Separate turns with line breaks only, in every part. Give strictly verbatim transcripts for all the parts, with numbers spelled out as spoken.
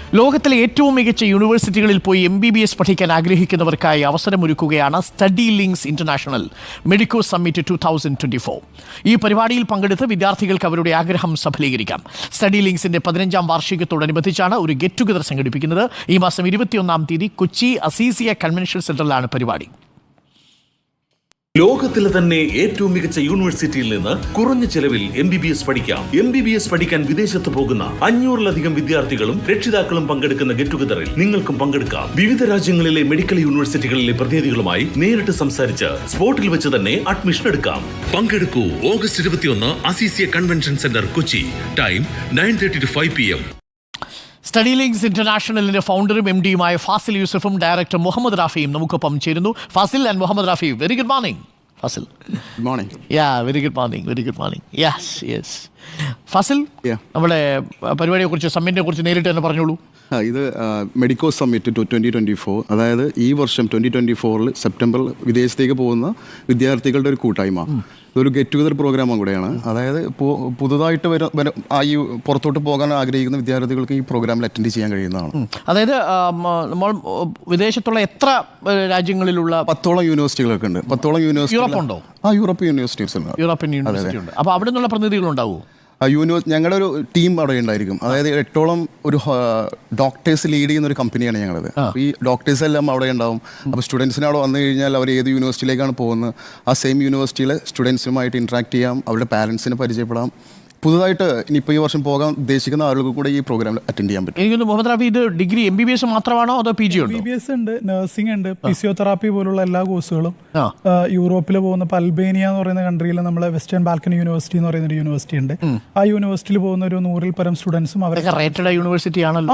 ലോകത്തിലെ ഏറ്റവും മികച്ച യൂണിവേഴ്സിറ്റികളിൽ പോയി എം ബി ബി എസ് പഠിക്കാൻ ആഗ്രഹിക്കുന്നവർക്കായി അവസരമൊരുക്കുകയാണ് study links international medico summit two thousand twenty four. ഈ പരിപാടിയിൽ പങ്കെടുത്ത് വിദ്യാർത്ഥികൾക്ക് അവരുടെ ആഗ്രഹം സഫലീകരിക്കാം. സ്റ്റഡി ലിങ്ക്സിന്റെ പതിനഞ്ചാം വാർഷികത്തോടനുബന്ധിച്ചാണ് ഒരു ഗെറ്റ് ടുഗദർ സംഘടിപ്പിക്കുന്നത്. ഈ മാസം ഇരുപത്തിയൊന്നാം തീയതി കൊച്ചി അസീസിയ കൺവെൻഷൻ സെന്ററിലാണ് പരിപാടി.
ലോകത്തിലെ തന്നെ ഏറ്റവും മികച്ച യൂണിവേഴ്സിറ്റിയിൽ നിന്ന് കുറഞ്ഞ ചെലവിൽ എം ബി ബി എസ് പഠിക്കാം. എം ബി ബി എസ് പഠിക്കാൻ വിദേശത്ത് പോകുന്ന അഞ്ഞൂറിലധികം വിദ്യാർത്ഥികളും രക്ഷിതാക്കളും പങ്കെടുക്കുന്ന ഗെറ്റ് ടുഗദറിൽ നിങ്ങൾക്കും പങ്കെടുക്കാം. വിവിധ രാജ്യങ്ങളിലെ മെഡിക്കൽ യൂണിവേഴ്സിറ്റികളിലെ പ്രതിനിധികളുമായി നേരിട്ട് സംസാരിച്ച് സ്പോട്ടിൽ വെച്ച് തന്നെ അഡ്മിഷൻ എടുക്കാം. പങ്കെടുക്കൂ. ഓഗസ്റ്റ് ഇരുപത്തിയൊന്ന് Aziziya convention centre, Kochi. Time nine thirty to five P M.
Study links ഇന്റർനാഷണലിന്റെ ഫൗണ്ടറും എം ഡിയുമായ ഫാസിൽ യൂസഫും ഡയറക്ടർ മുഹമ്മദ് റാഫിയും നമുക്കൊപ്പം ചേരുന്നു. Fazil and Muhammad Rafi, very good morning. Fazil,
good morning.
Ya very good morning, very good morning. Yes yes Fazil, നമ്മുടെ പരിപാടിയെ കുറിച്ച് സമ്മിറ്റിനെ കുറിച്ച് നേരിട്ട് തന്നെ പറഞ്ഞോളൂ.
ഇത് medico summit two twenty twenty four, അതായത് ഈ വർഷം ട്വൻ്റി ട്വൻ്റി ഫോറിൽ സെപ്റ്റംബറിൽ വിദേശത്തേക്ക് പോകുന്ന വിദ്യാർത്ഥികളുടെ ഒരു കൂട്ടായ്മ. ഇതൊരു ഗെറ്റ് ടുഗദർ പ്രോഗ്രാമും കൂടെയാണ്. അതായത് ഇപ്പോൾ പുതുതായിട്ട് വര ആ ഈ പുറത്തോട്ട് പോകാൻ ആഗ്രഹിക്കുന്ന വിദ്യാർത്ഥികൾക്ക് ഈ പ്രോഗ്രാമിൽ അറ്റൻഡ് ചെയ്യാൻ കഴിയുന്നതാണ്.
അതായത് നമ്മൾ വിദേശത്തുള്ള എത്ര രാജ്യങ്ങളിലുള്ള
പത്തോളം യൂണിവേഴ്സിറ്റികളൊക്കെ ഉണ്ട്. പത്തോളം യൂണിവേഴ്സിറ്റി.
യൂറോപ്പുണ്ടോ?
ആ യൂറോപ്യൻ യൂണിവേഴ്സിറ്റീസ് ഉണ്ട്.
യൂറോപ്യൻ യൂണിവേഴ്സിറ്റി ഉണ്ട്. അപ്പോൾ അവിടെ നിന്നുള്ള പ്രതിനിധികളുണ്ടാവുമോ?
യൂണിവേഴ്സ് ഞങ്ങളുടെ ഒരു ടീം അവിടെ ഉണ്ടായിരിക്കും. അതായത് എട്ടോളം ഒരു ഡോക്ടേഴ്സ് ലീഡ് ചെയ്യുന്ന ഒരു കമ്പനിയാണ് ഞങ്ങളത്. ഈ ഡോക്ടേഴ്സ് എല്ലാം അവിടെ ഉണ്ടാവും. അപ്പോൾ സ്റ്റുഡൻസിന് അവിടെ വന്നു കഴിഞ്ഞാൽ അവർ ഏത് യൂണിവേഴ്സിറ്റിയിലേക്കാണ് പോകുന്നത്, ആ സെയിം യൂണിവേഴ്സിറ്റിയിലെ സ്റ്റുഡൻസുമായിട്ട് ഇൻട്രാക്ട് ചെയ്യാം, അവരുടെ പാരൻസിനെ പരിചയപ്പെടാം. പുതുതായിട്ട് ഇനിയിപ്പോൾ ഈ വർഷം പോകാൻ ഉദ്ദേശിക്കുന്ന ആളുകൾക്ക് കൂടെ ഈ പ്രോഗ്രാമിൽ അറ്റൻഡ് ചെയ്യാൻ പറ്റും.
എനിക്കൊന്ന് മുഹമ്മദ് റാഫി, ഇത് degree M B B S മാത്രമാണോ അതോ പി ജി ഉണ്ടോ?
ബി ബി എസ് ഉണ്ട്, നഴ്സിംഗ് ഉണ്ട്, ഫിസിയോതെറാപ്പി പോലുള്ള എല്ലാ കോഴ്സുകളും. യൂറോപ്പിൽ പോകുന്ന ഇപ്പോൾ അൽബേനിയ എന്ന് പറയുന്ന കൺട്രിയിൽ നമ്മളെ വെസ്റ്റേൺ ബാൽക്കൺ യൂണിവേഴ്സിറ്റി എന്ന് പറയുന്ന ഒരു യൂണിവേഴ്സിറ്റി ഉണ്ട്. ആ യൂണിവേഴ്സിറ്റിയിൽ പോകുന്ന ഒരു നൂറിൽ പരം സ്റ്റുഡൻസും അവരൊക്കെ
റേറ്റഡ് യൂണിവേഴ്സിറ്റി ആണല്ലോ.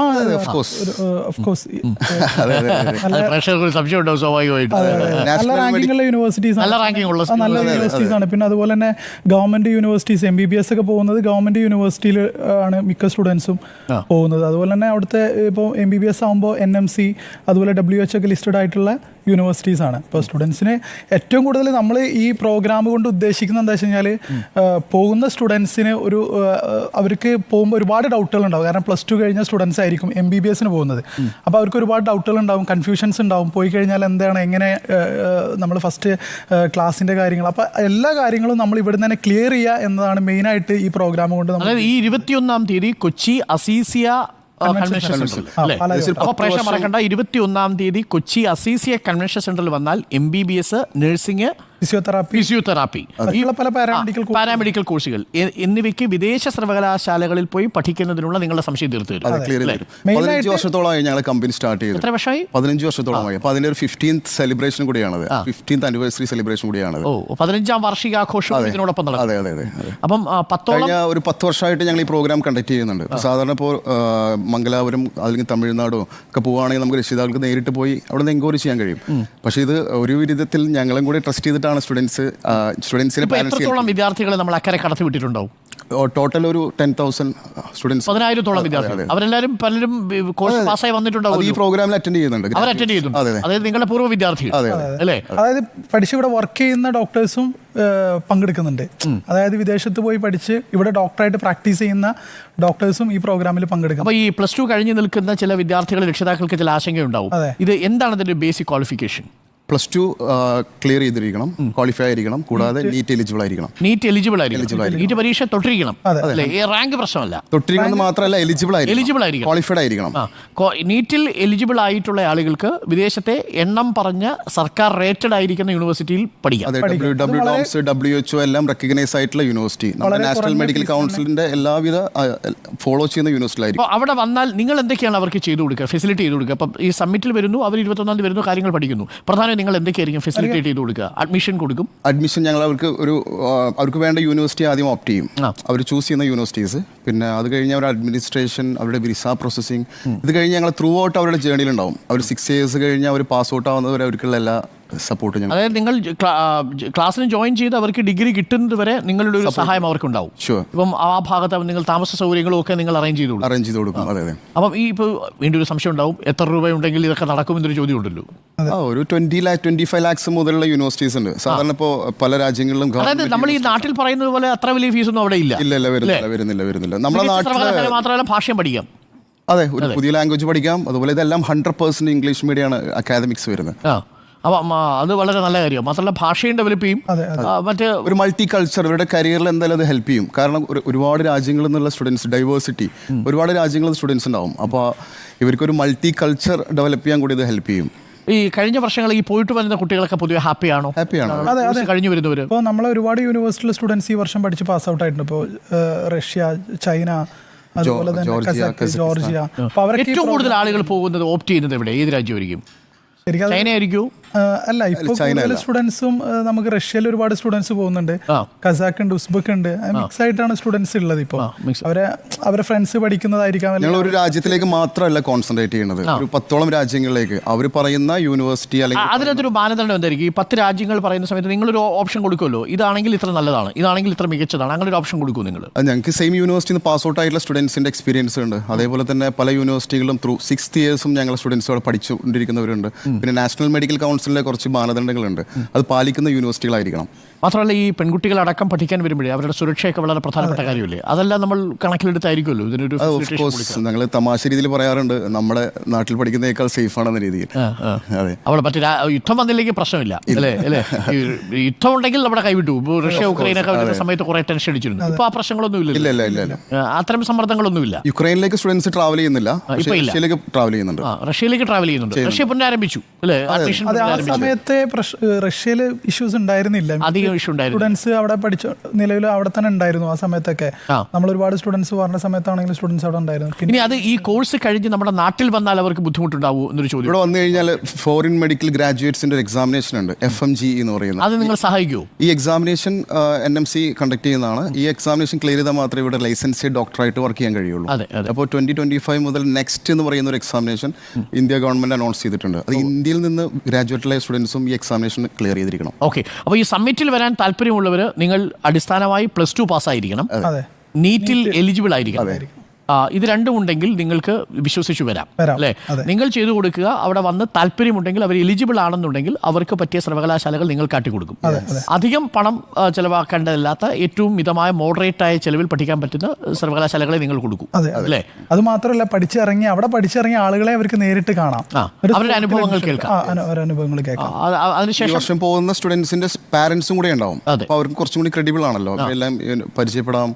നല്ല റാങ്കിങ്ങുള്ള യൂണിവേഴ്സിറ്റീസ് നല്ല യൂണിവേഴ്സിറ്റീസ് ആണ്. പിന്നെ അതുപോലെ തന്നെ government universities, M B B S ഒക്കെ പോകുന്നത് ഗവൺമെന്റ് യൂണിവേഴ്സിറ്റിയിൽ ആണ് മിക്ക സ്റ്റുഡൻസും പോകുന്നത്. അതുപോലെ തന്നെ അവിടുത്തെ ഇപ്പോൾ എം ബി ബി എസ് ആകുമ്പോൾ എൻ എം സി അതുപോലെ ഡബ്ല്യു എച്ച് ഒക്കെ ലിസ്റ്റഡ് ആയിട്ടുള്ള യൂണിവേഴ്സിറ്റീസ് ആണ്. ഇപ്പോൾ സ്റ്റുഡൻസിന് ഏറ്റവും കൂടുതൽ നമ്മൾ ഈ പ്രോഗ്രാം കൊണ്ട് ഉദ്ദേശിക്കുന്നത് എന്താ വെച്ച് കഴിഞ്ഞാൽ, പോകുന്ന സ്റ്റുഡൻസിന് ഒരു അവർക്ക് പോകുമ്പോൾ ഒരുപാട് ഡൗട്ടുകൾ ഉണ്ടാവും. കാരണം പ്ലസ് ടു കഴിഞ്ഞ സ്റ്റുഡൻസ് ആയിരിക്കും എം ബി ബി എസിന് പോകുന്നത്. അപ്പോൾ അവർക്ക് ഒരുപാട് ഡൗട്ടുകൾ ഉണ്ടാവും, കൺഫ്യൂഷൻസ് ഉണ്ടാവും. പോയി കഴിഞ്ഞാൽ എന്താണ്, എങ്ങനെ നമ്മൾ ഫസ്റ്റ് ക്ലാസ്സിൻ്റെ കാര്യങ്ങൾ, അപ്പോൾ എല്ലാ കാര്യങ്ങളും നമ്മൾ ഇവിടെ തന്നെ ക്ലിയർ ചെയ്യുക എന്നതാണ് മെയിനായിട്ട് ഈ പ്രോഗ്രാം കൊണ്ട്.
അതായത് ഈ ഇരുപത്തിയൊന്നാം തീയതി കൊച്ചി അസീസിയ കൺവെൻഷൻ സെന്ററിൽ, അപ്പോൾ പ്രേക്ഷകർ മറക്കണ്ട, ഇരുപത്തിയൊന്നാം തീയതി കൊച്ചി അസീസിയ കൺവെൻഷൻ സെന്ററിൽ വന്നാൽ M B B S, nursing,
physiotherapy
physiotherapy
പല
പാരാമെഡിക്കൽ കോഴ്സുകൾ എന്നിവയ്ക്ക് വിദേശ സർവകലാശാലകളിൽ പോയി പഠിക്കുന്നതിനുള്ള നിങ്ങളുടെ സംശയം തീർത്തു തരും.
പതിനഞ്ച് വർഷത്തോളമായി ഞങ്ങൾ കമ്പനി സ്റ്റാർട്ട് ചെയ്തു.
എത്ര വർഷമായി?
പതിനഞ്ച് വർഷത്തോളമായി. അപ്പോൾ അതിന്റെ ഒരു ഫിഫ്റ്റീൻത്ത് സെലിബ്രേഷൻ കൂടിയാണത്, ഫിഫ്റ്റീൻത്ത് ആനിവേഴ്സറി സെലിബ്രേഷൻ കൂടിയാണത്.
ഓ, പതിനഞ്ചാം വാർഷികാഘോഷം ഇതിനോടൊപ്പം നടക്കും.
അതെ അതെ അതെ.
അപ്പം പത്തോളം
ഒരു പത്ത് വർഷമായിട്ട് ഞങ്ങൾ ഈ പ്രോഗ്രാം കണ്ടക്ട് ചെയ്യുന്നുണ്ട്. സാധാരണ ഇപ്പോൾ മംഗലാപുരം അല്ലെങ്കിൽ തമിഴ്നാടോ ഒക്കെ പോവുകയാണെങ്കിൽ നമുക്ക് രക്ഷിതാക്കൾക്ക് നേരിട്ട് പോയി അവിടെ നിന്ന് എൻക്വയറി ചെയ്യാൻ കഴിയും. പക്ഷേ ഇത് ഒരു വിധത്തിൽ ഞങ്ങളും കൂടി ട്രസ്റ്റ് ചെയ്തിട്ട് സ്റ്റുഡൻസ് സ്റ്റുഡൻസിനെ
എത്രത്തോളം വിദ്യാർത്ഥികളെ നമ്മൾ അക്കരെ കടത്തി വിട്ടിട്ടുണ്ടാവും?
ടോട്ടൽ ഒരു ടെൻ തൗസൻഡ് സ്റ്റുഡൻസ്,
പതിനായിരത്തോളം വിദ്യാർത്ഥികൾ. അവരെല്ലാവരും പലരും കോഴ്സ് പാസ്സായി വന്നിട്ടുണ്ടാവും.
ഈ പ്രോഗ്രാമിൽ അറ്റൻഡ് ചെയ്യുന്നുണ്ട്.
അവർ അറ്റൻഡ് ചെയ്യുന്നുണ്ട്. അതായത് നിങ്ങളുടെ പൂർവ്വ വിദ്യാർത്ഥികൾ അല്ലേ?
അതായത് പഠിച്ച് ഇവിടെ വർക്ക് ചെയ്യുന്ന ഡോക്ടേഴ്സും പങ്കെടുക്കുന്നുണ്ട്. അതായത് വിദേശത്ത് പോയി പഠിച്ച് ഇവിടെ ഡോക്ടറായിട്ട് പ്രാക്ടീസ് ചെയ്യുന്ന ഡോക്ടേഴ്സും ഈ പ്രോഗ്രാമിൽ പങ്കെടുക്കും.
അപ്പോൾ ഈ പ്ലസ് ടു കഴിഞ്ഞ് നിൽക്കുന്ന ചില വിദ്യാർത്ഥികൾ, രക്ഷിതാക്കൾക്ക് ചില ആശങ്കയുണ്ടാവും. ഇത് എന്താണ് അതിന്റെ basic qualification?
Plus two clear ചെയ്തിരിക്കണം, ക്വാളിഫൈ ആയിരിക്കണം, കൂടാതെ നീറ്റ് എലിജിബിൾ ആയിരിക്കണം.
നീറ്റ് എലിജിബിൾ ആയിരിക്കണം. നീറ്റ് പരീക്ഷ തൊട്ടിരിക്കണം. റാങ്ക് പ്രശ്നമല്ല,
തൊട്ടിരിക്കണം മാത്രമല്ല എലിജിബിൾ ആയിരിക്കണം,
എലിജിബിൾ ആയിരിക്കണം,
ക്വാളിഫൈഡ് ആയിരിക്കണം.
നീറ്റിൽ എലിജിബിൾ ആയിട്ടുള്ള ആളുകൾക്ക് വിദേശത്തെ എണ്ണം പറഞ്ഞ സർക്കാർ റേറ്റഡ് ആയിരിക്കുന്ന യൂണിവേഴ്സിറ്റിയിൽ പഠിക്കാം.
ഡബ്ല്യു ഡബ്ല്യു ഡോംസ്, ഡബ്ല്യു എച്ച് ഒ എല്ലാം റെക്കഗ്നൈസ് ആയിട്ടുള്ള യൂണിവേഴ്സിറ്റി, നമ്മുടെ നാഷണൽ മെഡിക്കൽ കൗൺസിലിന്റെ എല്ലാവിധ ഫോളോ ചെയ്യുന്ന യൂണിവേഴ്സിറ്റിയിലായിരിക്കും.
അപ്പോൾ അവിടെ വന്നാൽ നിങ്ങൾ എന്തൊക്കെയാണ് അവർക്ക് ചെയ്തു കൊടുക്കുക, ഫെസിലിറ്റി ചെയ്ത് കൊടുക്കുക? അപ്പം ഈ സമ്മിറ്റിൽ വരുന്നു, അവർ ഇരുപത്തൊന്നാം തീയതി വരുന്നു, കാര്യങ്ങൾ പഠിക്കുന്നു. പ്രധാനം നിങ്ങൾ എന്തൊക്കെയായിരിക്കും ഫെസിലിറ്റേറ്റ് ചെയ്ത് കൊടുക്കുക? അഡ്മിഷൻ കൊടുക്കും.
അഡ്മിഷൻ ഞങ്ങൾ അവർക്ക് ഒരു അവർക്ക് വേണ്ട യൂണിവേഴ്സിറ്റി ആദ്യം ഓപ്റ്റ് ചെയ്യും. അവർ ചൂസ് ചെയ്യുന്ന യൂണിവേഴ്സിറ്റീസ്. പിന്നെ അത് കഴിഞ്ഞ് അവരുടെ അഡ്മിനിസ്ട്രേഷൻ, അവരുടെ വിസ പ്രോസസ്സിംഗ്, ഇത് കഴിഞ്ഞ് ഞങ്ങൾ ത്രൂ ഔട്ട് അവരുടെ ജേർണിയിലുണ്ടാവും. അവർ സിക്സ് ഇയേഴ്സ് കഴിഞ്ഞ് അവർ പാസ് ഔട്ട് ആവുന്നവരെ അവർക്കുള്ള എല്ലാ സപ്പോർട്ട് ഞങ്ങൾ.
അതായത് നിങ്ങൾ ക്ലാസ്സിന് ജോയിൻ ചെയ്ത് അവർക്ക് ഡിഗ്രി കിട്ടുന്നത് വരെ നിങ്ങളുടെ ഒരു സഹായം അവർക്കുണ്ടാവും.
ഷുവർ.
ഇപ്പം ആ ഭാഗത്ത് നിങ്ങൾ താമസ സൗകര്യങ്ങളും ഒക്കെ നിങ്ങൾ അറേഞ്ച് ചെയ്തു
അറേഞ്ച് ചെയ്ത് കൊടുക്കും. അതെ അതെ.
അപ്പം ഈ ഇപ്പോൾ വീണ്ടും ഒരു സംശയം ഉണ്ടാവും, എത്ര രൂപ ഉണ്ടെങ്കിൽ ഇതൊക്കെ നടക്കുമെന്നൊരു ചോദ്യം ഉണ്ടല്ലോ.
ഒരു twenty lakh twenty five lakhs മുതലുള്ള യൂണിവേഴ്സിറ്റീസ് ഉണ്ട്. സാധാരണ ഇപ്പോൾ പല രാജ്യങ്ങളിലും.
അതായത് നമ്മൾ ഈ നാട്ടിൽ പറയുന്നത് പോലെ അത്ര വലിയ ഫീസൊന്നും അവിടെ ഇല്ല.
ഇല്ല ഇല്ല, വരുന്നില്ല വരുന്നില്ല വരുന്നില്ല. നമ്മുടെ നാട്ടിൽ
മാത്രമല്ല ഭാഷയും പഠിക്കാം.
അതെ, ഒരു പുതിയ ലാംഗ്വേജ് പഠിക്കാം. അതുപോലെ ഇതെല്ലാം ഹൺഡ്രഡ് പെർസെന്റ് ഇംഗ്ലീഷ് മീഡിയമാണ് അക്കാദമിക്സ് വരുന്നത്.
ആ അപ്പം അത് വളരെ നല്ല കാര്യം. മാത്രമല്ല ഭാഷയും ഡെവലപ്പ് ചെയ്യും. മറ്റ്
ഒരു മൾട്ടി കൾച്ചർ ഇവരുടെ കരിയറിൽ എന്തായാലും അത് ഹെൽപ്പ് ചെയ്യും. കാരണം ഒരു ഒരുപാട് രാജ്യങ്ങളിൽ നിന്നുള്ള സ്റ്റുഡൻസ്, ഡൈവേഴ്സിറ്റി, ഒരുപാട് രാജ്യങ്ങളിൽ സ്റ്റുഡൻസ് ഉണ്ടാവും. അപ്പോൾ ഇവർക്കൊരു മൾട്ടി കൾച്ചർ ഡെവലപ്പ് ചെയ്യാൻ കൂടി ഇത് ഹെൽപ്പ് ചെയ്യും.
ഈ കഴിഞ്ഞ വർഷങ്ങളിൽ ഈ പോയിട്ട് വരുന്ന കുട്ടികളൊക്കെ പൊതുവെ ഹാപ്പിയാണോ?
ഹാപ്പിയാണ്.
അതെ അതെ
കഴിഞ്ഞു വരുന്നവർ
ഇപ്പോൾ നമ്മളെ ഒരുപാട് യൂണിവേഴ്സിറ്റിയിലെ സ്റ്റുഡൻസ് ഈ വർഷം പഠിച്ച് പാസ് ഔട്ട് ആയിട്ടുണ്ട്. ഇപ്പോൾ റഷ്യ, ചൈന, അതുപോലെ തന്നെ കസാഖ്, ജോർജിയ. അപ്പോൾ അവരൊക്കെ
ഏറ്റവും കൂടുതൽ ആളുകൾ പോകുന്നത് ഓപ്റ്റ് ചെയ്യുന്നത് എവിടെ, ഏത് രാജ്യമായിരിക്കും? ചൈന ആയിരിക്കും?
അല്ല, ഇപ്പോൾ കൂടുതൽ സ്റ്റുഡൻസും നമുക്ക് റഷ്യയിൽ ഒരുപാട് സ്റ്റുഡൻസ് പോകുന്നുണ്ട്, കസാഖ് ഉണ്ട്, ഉസ്ബെക്ക് ഉണ്ട്. മിക്സ് ആയിട്ടാണ് സ്റ്റുഡൻസ് ഉള്ളത്. ഇപ്പോൾ അവരെ അവരെ ഫ്രണ്ട്സ് പഠിക്കുന്നതായിരിക്കാം.
ഞങ്ങൾ ഒരു രാജ്യത്തിലേക്ക് മാത്രമല്ല കോൺസെൻട്രേറ്റ് ചെയ്യുന്നത്, ഒരു പത്തോളം രാജ്യങ്ങളിലേക്ക് അവർ പറയുന്ന യൂണിവേഴ്സിറ്റി അല്ലെങ്കിൽ
അതിനകത്തൊരു മാനദണ്ഡം എന്തായിരിക്കും? ഈ പത്ത് രാജ്യങ്ങൾ പറയുന്ന സമയത്ത് നിങ്ങളൊരു ഓപ്ഷൻ കൊടുക്കുമല്ലോ, ഇതാണെങ്കിൽ ഇത്ര നല്ലതാണ്, ഇതാണെങ്കിൽ ഇത്ര മികച്ചതാണ്, അങ്ങനെ ഒരു ഓപ്ഷൻ കൊടുക്കും നിങ്ങൾ?
ഞങ്ങൾക്ക് സെയിം യൂണിവേഴ്സിറ്റിയിൽ നിന്ന് പാസ് ഔട്ട് ആയിട്ടുള്ള സ്റ്റുഡൻസിന്റെ എക്സ്പീരിയൻസ് ഉണ്ട്. അതേപോലെ തന്നെ പല യൂണിവേഴ്സിറ്റികളിലും ത്രൂ സിക്സ് ഇയേഴ്സും ഞങ്ങൾ സ്റ്റുഡൻസുകൾ പഠിച്ചുകൊണ്ടിരിക്കുന്നവരുണ്ട്. പിന്നെ നാഷണൽ മെഡിക്കൽ കൗൺസിലിലെ കുറച്ച് മാനദണ്ഡങ്ങളുണ്ട്, അത് പാലിക്കുന്ന യൂണിവേഴ്സിറ്റികളായിരിക്കണം.
മാത്രമല്ല ഈ പെൺകുട്ടികളടക്കം പഠിക്കാൻ വരുമ്പോഴേ അവരുടെ സുരക്ഷയൊക്കെ വളരെ പ്രധാനപ്പെട്ട കാര്യമല്ലേ? അതെല്ലാം നമ്മൾ കണക്കിലെടുത്തായിരിക്കുമല്ലോ ഇതിനൊരു.
ഞങ്ങൾ തമാശ രീതിയിൽ പറയാറുണ്ട്, നമ്മുടെ നാട്ടിൽ പഠിക്കുന്നതിനേക്കാൾ സേഫ് ആണെന്ന രീതിയിൽ.
അതെ, അവിടെ മറ്റേ യുദ്ധം വന്നില്ലെങ്കിൽ പ്രശ്നമില്ല അല്ലേ അല്ലേ യുദ്ധം ഉണ്ടെങ്കിൽ നമ്മുടെ കൈവിട്ടു. റഷ്യ ഉക്രൈനൊക്കെ വരുന്ന സമയത്ത് കുറെ ടെൻഷൻ അടിച്ചിരുന്നു. ഇപ്പൊ ആ പ്രശ്നങ്ങളൊന്നും ഇല്ല, അത്തരം സമ്മർദ്ദങ്ങളൊന്നുമില്ല.
യുക്രൈനിലേക്ക് സ്റ്റുഡൻസ് ട്രാവൽ ചെയ്യുന്നില്ല, റഷ്യയിലേക്ക് ട്രാവൽ ചെയ്യുന്നുണ്ട്.
റഷ്യയിലേക്ക് ട്രാവൽ ചെയ്യുന്നുണ്ട്. റഷ്യ പുനരാരംഭിച്ചു അല്ലേ?
ആ സമയത്തെ റഷ്യയിൽ ഇഷ്യൂസ് ഉണ്ടായിരുന്നില്ല,
അധികം ഇഷ്യൂ ഉണ്ടായിരുന്നു.
സ്റ്റുഡൻസ് അവിടെ പഠിച്ചു, നിലവിൽ അവിടെ തന്നെ ഉണ്ടായിരുന്നു ആ സമയത്തൊക്കെ. നമ്മൾ ഒരുപാട് സ്റ്റുഡൻസ് പറഞ്ഞ സമയത്താണെങ്കിലും സ്റ്റുഡൻസ് അവിടെ ഉണ്ടായിരുന്നു.
ഇനി അത് ഈ കോഴ്സ് കഴിഞ്ഞ് നമ്മുടെ നാട്ടിൽ വന്നാൽ അവർക്ക് ബുദ്ധിമുട്ടുണ്ടാവൂ എന്നൊരു ചോദ്യം.
ഇവിടെ വന്നു കഴിഞ്ഞാൽ ഫോറിൻ മെഡിക്കൽ ഗ്രാജുവേറ്റ്സിന്റെ ഒരു എക്സാമിനേഷൻ ഉണ്ട്, എഫ് എം ജി എന്ന് പറയുന്നത്.
അത് നിങ്ങൾ സഹായിക്കുമോ?
ഈ examination N M C conduct ചെയ്യുന്നതാണ്. ഈ എക്സാമിനേഷൻ ക്ലിയർ ചെയ്താൽ മാത്രമേ ഇവിടെ ലൈസൻസ് ഡോക്ടറായിട്ട് വർക്ക് ചെയ്യാൻ കഴിയുള്ളൂ. അപ്പോൾ ട്വന്റി ട്വന്റി ഫൈവ് മുതൽ നെക്സ്റ്റ് എന്ന് പറയുന്ന ഒരു എക്സാമിനേഷൻ ഇന്ത്യ ഗവൺമെന്റ് അനൗൺസ് ചെയ്തിട്ടുണ്ട്. അത് ഇന്ത്യയിൽ നിന്ന് ഗ്രാജുവേറ്റ് സ്റ്റുഡൻസും ഈ എക്സാമിനേഷൻ ക്ലിയർ ചെയ്തിരിക്കണം.
ഓക്കെ, അപ്പോൾ ഈ സമ്മിറ്റിൽ വരാൻ താല്പര്യമുള്ളവർ നിങ്ങൾ അടിസ്ഥാനമായി പ്ലസ് ടു പാസ്സായിരിക്കണം, നീറ്റിൽ എലിജിബിൾ ആയിരിക്കണം. ഇത് രണ്ടും ഉണ്ടെങ്കിൽ നിങ്ങൾക്ക് വിശ്വസിച്ചു വരാം അല്ലേ? നിങ്ങൾ ചെയ്തു കൊടുക്കുക. അവിടെ വന്ന് താല്പര്യമുണ്ടെങ്കിൽ അവർ എലിജിബിൾ ആണെന്നുണ്ടെങ്കിൽ അവർക്ക് പറ്റിയ സർവകലാശാലകൾ നിങ്ങൾ കാട്ടിക്കൊടുക്കും. അധികം പണം ചെലവാക്കേണ്ടതല്ലാത്ത ഏറ്റവും മിതമായ മോഡറേറ്റ് ആയ ചെലവിൽ പഠിക്കാൻ പറ്റുന്ന സർവകലാശാലകളെ നിങ്ങൾ കൊടുക്കും അല്ലേ?
അത് മാത്രമല്ല, പഠിച്ചിറങ്ങി അവിടെ പഠിച്ചിറങ്ങിയ ആളുകളെ അവർക്ക് നേരിട്ട് കാണാം,
അവരുടെ അനുഭവങ്ങൾ കേൾക്കാം.
അനുഭവങ്ങൾ കേൾക്കാം.
അതിനുശേഷം പോകുന്ന സ്റ്റുഡൻസിന്റെ പാരന്റ്സും കൂടെ ഉണ്ടാവും. അപ്പോൾ അവർക്ക് കുറച്ചും കൂടി ക്രെഡിബിൾ ആണല്ലോ, അവരെല്ലാം പരിചയപ്പെടാം.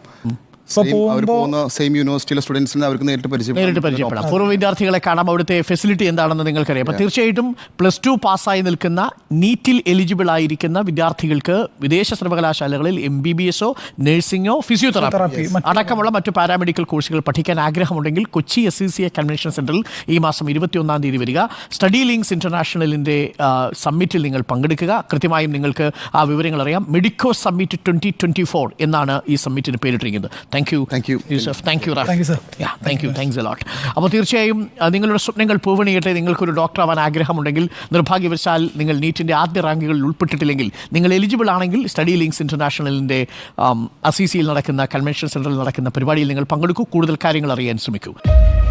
സെയിം യൂണിവേഴ്സിറ്റിയിലെ സ്റ്റുഡൻസിനെ അവർക്ക് നേരിട്ട്
നേരിട്ട് പരിചയപ്പെടാം. പൂർവ്വ വിദ്യാർത്ഥികളെ കാണാം. അവിടുത്തെ ഫെസിലിറ്റി എന്താണെന്ന് നിങ്ങൾക്കറിയാം. അപ്പോൾ തീർച്ചയായിട്ടും പ്ലസ് ടു പാസ്സായി നിൽക്കുന്ന നീറ്റിൽ എലിജിബിൾ ആയിരിക്കുന്ന വിദ്യാർത്ഥികൾക്ക് വിദേശ സർവകലാശാലകളിൽ എം ബി ബി എസോ നഴ്സിംഗോ ഫിസിയോതെറാപ്പി അടക്കമുള്ള മറ്റു പാരാമെഡിക്കൽ കോഴ്സുകൾ പഠിക്കാൻ ആഗ്രഹമുണ്ടെങ്കിൽ Kochi S C C A convention സെന്ററിൽ ഈ മാസം ഇരുപത്തിയൊന്നാം തീയതി വരിക. സ്റ്റഡി ലിങ്ക്സ് ഇന്റർനാഷണലിന്റെ സമ്മിറ്റിൽ നിങ്ങൾ പങ്കെടുക്കുക. കൃത്യമായും നിങ്ങൾക്ക് ആ വിവരങ്ങൾ അറിയാം. Medico summit twenty twenty four എന്നാണ് ഈ സമ്മിറ്റിന് പേരിട്ടിരിക്കുന്നത്. Thank you.
Thank you.
Yusuf. Thank you, Raf.
Thank you, sir.
Yeah, thank you. Thanks a lot. അപ്പോൾ തീർച്ചയായും നിങ്ങളുടെ സ്വപ്നങ്ങൾ പൂവണിയട്ടെ. നിങ്ങൾക്കൊരു ഡോക്ടർ ആവാൻ ആഗ്രഹമുണ്ടെങ്കിൽ, നിർഭാഗ്യവശാൽ നിങ്ങൾ നീറ്റിൻ്റെ ആദ്യ റാങ്കുകളിൽ ഉൾപ്പെട്ടിട്ടില്ലെങ്കിൽ, നിങ്ങൾ എലിജിബിൾ ആണെങ്കിൽ സ്റ്റഡി ലിങ്ക്സ് ഇന്റർനാഷണലിൻ്റെ അസീസിയിൽ നടക്കുന്ന കൺവെൻഷൻ സെന്ററിൽ നടക്കുന്ന പരിപാടിയിൽ നിങ്ങൾ പങ്കെടുക്കൂ. കൂടുതൽ കാര്യങ്ങൾ അറിയാൻ ശ്രമിക്കൂ.